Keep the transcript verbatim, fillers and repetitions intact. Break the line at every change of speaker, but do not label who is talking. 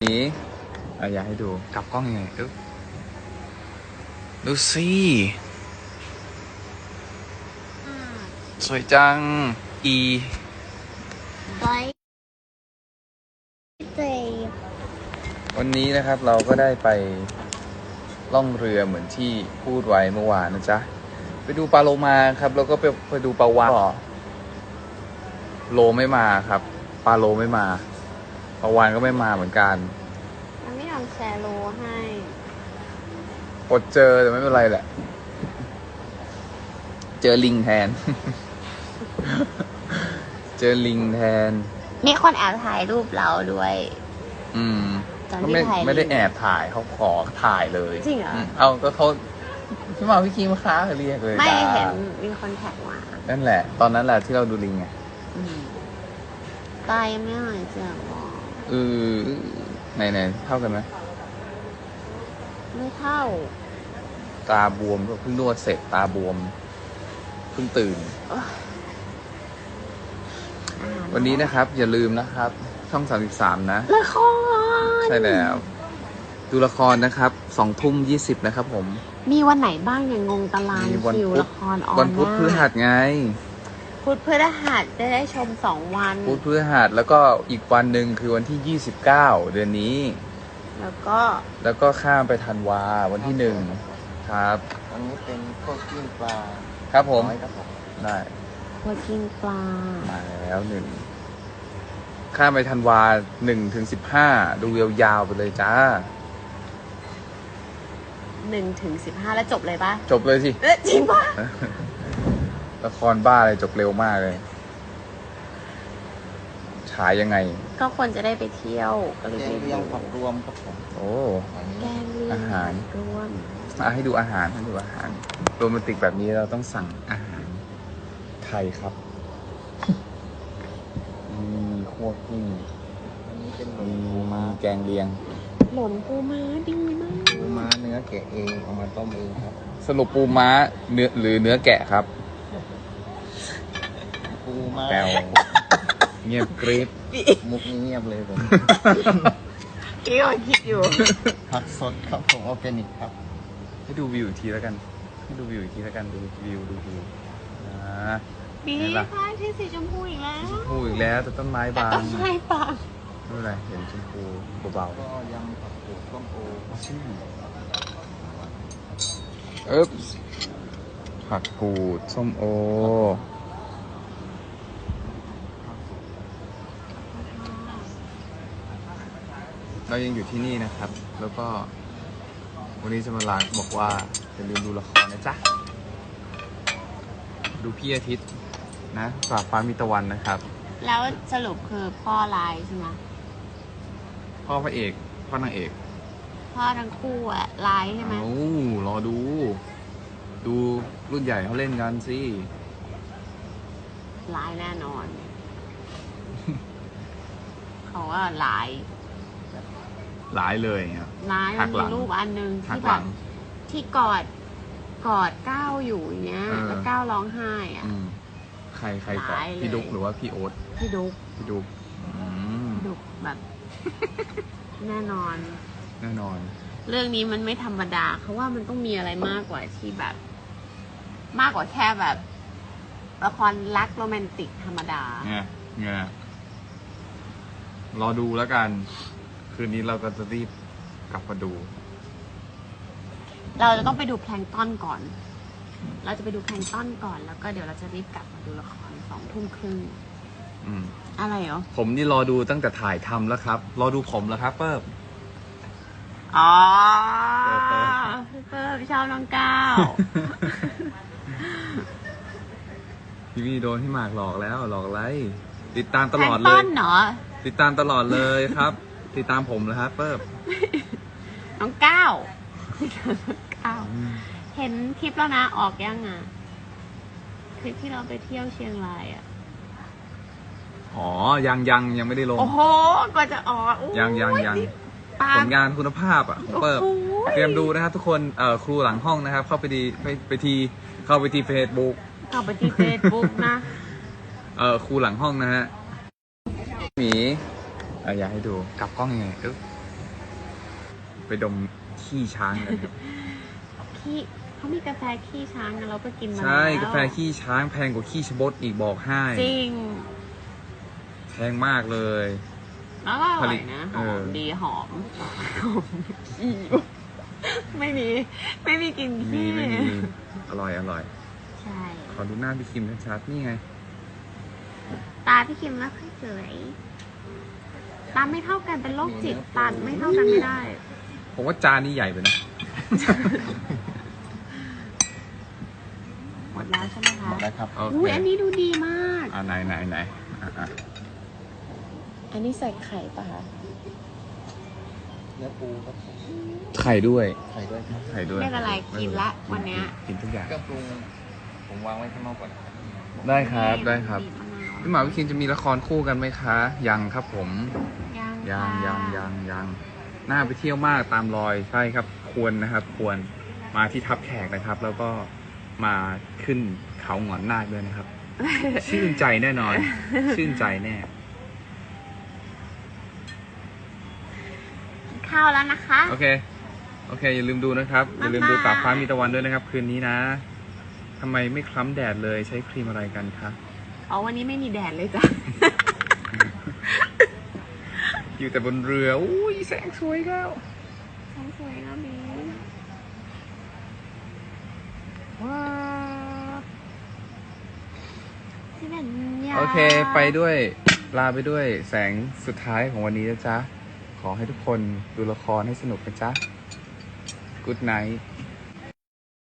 นี้อ่ะอยากให้ดูกลับกล้องยังไงดูดูสิสวยจังอี
บอยเตย
วันนี้นะครับเราก็ได้ไปล่องเรือเหมือนที่พูดไว้เมื่อวานนะจ๊ะไปดูปลาโลมาครับแล้วก็ไปไปดูปลาวาฬโลไม่มาครับปลาโลไม่มาปลาวาฬก็ไม่มาเหมือนกัน
มันไม่ยอมแชร์โลให้
อดเจอแต่ไม่เป็นไรแหละเจอลิงแทน เจอลิงแทน
มีคนแอบถ่ายรูปเราด้วย
อืม
ตอน
ก็
ที่
ไม่
ถ่าย
ไม่ได้แอบถ่ายเขาขอถ่ายเลย
จริงเหรอ
เอาก็เขาพี่มาพี่คีมาค้าเขาเรียกเลย
ไม่
จ้า
เห็นมีคนแท็กมา
นั่นแหละ ตอนนั้นแหละที่เราดูลิงไง
ตายยังไม่หายเจ็บหรอ
เออไหนไหนเท่ากันไหม
ไม่เท่า
ตาบวมก็เพิ่งนวดเสร็จตาบวมเพิ่งตื่น วันนี้นะครับอย่าลืมนะครับช่องสามสิบสามนะ
ละคร
ใช่แล้วดูละครนะครับสองทุ่มยี่สิบนะครับผม
มีวันไหนบ้างอย่างงงตารางคิวละครออน
วันพุธพฤหัสไง
พุธพฤหัสได้ได้ชมสองวัน
พุธพฤหัสแล้วก็อีกวันหนึ่งคือวันที่ยี่สิบเก้าเดือนนี้
แล้วก็
แล้วก็ข้ามไปธันวาวันที่หนึ่งครับ
วันนี้เป็นพวกกิ้งปลา
ครับผม
ครับผม
ได้
พวกกินปลา
มาแล้วหนึ่งข้ามไปธันวาหนึ่งถึงสิบห้าดูยาวๆไปเลยจ้า
หนึ่งถึงสิบห้าแล้วจบเลยปะ
จบเลยสิ
เอ๊ะจริงปะ
ละครบ้าเลยจบเร็วมากเลยฉายยังไง
ก็ควรจะได้ไปเที่ยวก็เลย
แก
ไป
งเลียงผักรวมครับผม
โอ้
แกงเลียง
อาหาร
รวม
อ่ะให้ดูอาหารให้ดูอาหารโรแมนติกแบบนี้เราต้องสั่งอาหารไทยครับมีคั่วกิ้ง
อันนี้เป็นหล
มี
นปูม้า
แกงเลียง
หล่นปูม้าดีมาก
ปูม้าเนื้อแกะเองเอามาต้มเองครับ
สรุปปูม้าเนื้อหรือเนื้อแกะครับ
ปูม้า
แปลวเงียบกริบ
มุกนี้เงียบเลยผม
กี้ก็คิดอยู่
ผักสดครับผมออร์แกนิกครับ
ให้ดูวิวอีกทีแล้วกันให้ดูวิวอีกทีแล้วกันดูวิวดูวิวอ่า
บีฟ้าที่สีชมพูอีกแล้ว
ชมพูอีกแล้วแต่ต้นไม้บาง
ต้นไม้บาง
ไม่เป็นไรเห็นชมพูเบา
ก็ยำผักกูดต้มโอ
ๆชื่อเอ๊บผักกูดส้มโอเรายังอยู่ที่นี่นะครับแล้วก็วันนี้จะมาลาบอกว่าอย่าลืมดูละครนะจ๊ะดูพี่อาทิตย์นะฝากฟ้ามีตะวันนะครับ
แล้วสรุปคือพ่อลายใช่ไหม
พ่อพระเอกพ่อนางเอก
พ่อทั้งคู่อะลายใช่ไหม
โอ้รอดู ดูรุ่นใหญ่เขาเล่นกันสิ
ลายแน่นอน เขาว่าลาย
หลายเลยครับ
ลายมันมีรูปอันหนึ่งที่แบบที่กอดกอดก้าวอยู่อย่างเงี้ยแล้วก้าวร้องไห้อ่ะ
ใครใครก่อนพี่ดุ๊กหรือว่าพี่โอ๊ต
พี่ดุ๊ก
พี่ดุ๊ก
ดุ๊กแบบ แน่นอน
แน่นอน
เรื่องนี้มันไม่ธรรมดาเขาว่ามันต้องมีอะไรมากกว่าที่แบบ มากกว่าแค่แบบละครรักโรแมนติกธรรมดา
เนี่ยเนี่ยรอดูแล้วกันคืนนี้เราก็จะรีบกลับมาดู
เราจะต้องไปดูแพลงก์ต้นก่อน เราจะไปดูแพลงก์ต้นก่อนแล้วก็เดี๋ยวเราจะรีบกลับมาดูละครสองทุ่มครึ่งอะไรเหรอ
ผมนี่รอดูตั้งแต่ถ่ายทำแล้วครับรอดูผมแล้วครับเปิ้ล
อ๋อเปิ้ลเปิ้ลชอบน้องก้าว
พี่วีโดนพี่หมากหลอกแล้วหลอกอะไรติดตามตลอดเลย
แพลงก์ต้นเหรอ
ติดตามตลอดเลยครับ ติดตามผมเลยครับเปิ้ล
น้องก้าวก้าวเห็นคลิปแล้วนะออกยังอ่ะคลิปที่เราไปเที่ยวเชียงรายอ่ะ
อ๋อยังยังยังไม่ได้ลง
โอ้โหกว่าจะออก
ยังยังยังผลงานคุณภาพอ่ะของเปิ้ลเตรียมดูนะครับทุกคนเอ่อครูหลังห้องนะครับเข้าไปดีไปไปทีเข้าไปที่เฟซบุ๊ก
เข้าไปที่เฟซบุ๊กนะ
เอ่อครูหลังห้องนะฮะหมีอ่ะอยากให้ดูกลับกล้องยังไงเอ๊ะดไปดมขี้ช้างกันครับ
ขี้เขามีกาแฟขี้ช้างนะเราก็กินมา
ใช่
แล้ว
กาแฟขี้ช้างแพงกว่าขี้ชะบดอีกบอกให้
จริง
แพงมากเลย
แล้วก็อ
ผ
ร่อ
ลิ
ย
ต
นะห
เอ
อ
อ
มดีหอมหอมอีไม่มี ไม่มีกลิน
มี
ขี้
ไม่มีอร่อยอร่อย
ใช่
ขอดูหน้าพี่คิมชัดๆนี่ไง
ตาพี่คิมไม่ค่อยสวยตาไม่เท่ากันเป็นโรคจิตตาไม่เท่ากันไม่ได้
ผมว่าจานนี้ใหญ่ไปนะ
หมดแล้วใช่ไหมคะ
หมดแล้วครับ
โอ
อุ้
เค
ยอันนี้ดูดีมาก
อ่าไหนไหนไหนอ่ะอ่ะ
อันนี้ใส่ไข่ป่ะคะ
เนื้อปูครับผม
ไข่ด้วย
ไข่ด้วยครับ
ไข่ด้วย
เรียกอะไรกินละวันเนี้ย
กินทุกอย่าง
เครื่องปรุงผมวางไว้ข้างนอกก่อนนะครับ
ได้ครับได้ครับ
บีมะนาว
พี่หมาพี่คิมจะมีละครคู่กันไหมคะ ยังครับผม
ยัง
ยัง
ค่ะ
ยังยังยังน่าไปเที่ยวมากตามรอยใช่ครับ ควรนะครับ ควรมาที่ทับแขกนะครับ แล้วก็มาขึ้นเขาหงอนนาคด้วยนะครับ ชื่นใจแน่นอน ชื่นใจแน่
กินข้าวแล้วนะคะ
โอเค โอเค อย่าลืมดูนะครับ อย่าลืมดู
บ๊ายบาย
ตาฟ้ามีตะวันด้วยนะครับ คืนนี้นะทำไมไม่คล้ำแดดเลยใช้ครีมอะไรกันคะ
อ๋อวันนี้ไม่มีแดดเลยจ้ะ
อยู่แต่บนเรืออุ้ยแสงสวยแล้ว
ฉันสวยแล้วบี
ว้าว
ที่เป็นยา
โอเค ไปด้วยลาไปด้วยแสงสุดท้ายของวันนี้นะจ๊ะ ขอให้ทุกคนดูละครให้สนุกนะจ๊ะ Good night